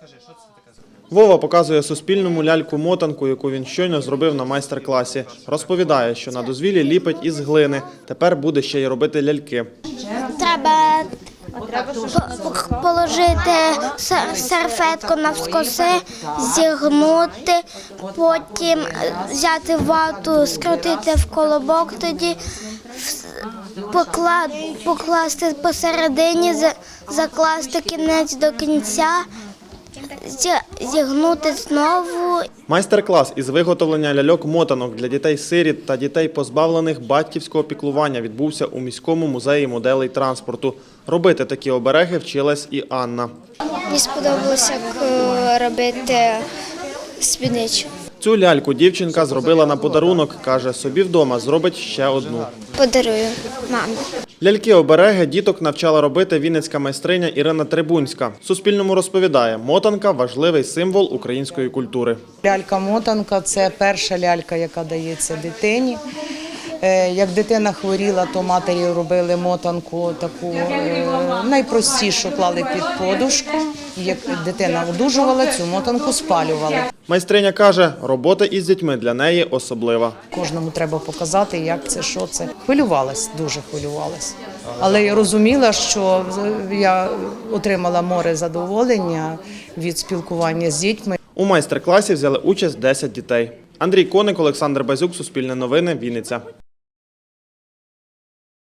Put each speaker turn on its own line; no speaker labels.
Вова показує Суспільному ляльку-мотанку, яку він щойно зробив на майстер-класі. Розповідає, що на дозвіллі ліпить із глини. Тепер буде ще й робити ляльки.
Треба положити серветку навскоси, зігнути, потім взяти вату, скрутити в колобок, тоді покласти посередині, закласти кінець до кінця, зігнути знову.
Майстер-клас із виготовлення ляльок-мотанок для дітей-сиріт та дітей, позбавлених батьківського піклування, відбувся у міському музеї моделей транспорту. Робити такі обереги вчилась і Анна.
Мені сподобалося, як робити спідничку.
Цю ляльку дівчинка зробила на подарунок, каже, собі вдома зробить ще одну.
Подарую мамі.
Ляльки-обереги діток навчала робити вінницька майстриня Ірина Трибунська. Суспільному розповідає, мотанка – важливий символ української культури.
Лялька-мотанка – це перша лялька, яка дається дитині. Як дитина хворіла, то матері робили мотанку таку найпростішу, клали під подушку. Як дитина одужувала, цю мотанку спалювали.
Майстриня каже, робота із дітьми для неї особлива.
Кожному треба показати, як це, що це. Хвилювалась, дуже хвилювалась. Але я розуміла, що я отримала море задоволення від спілкування з дітьми.
У майстер-класі взяли участь 10 дітей. Андрій Коник, Олександр Базюк, Суспільне новини, Вінниця.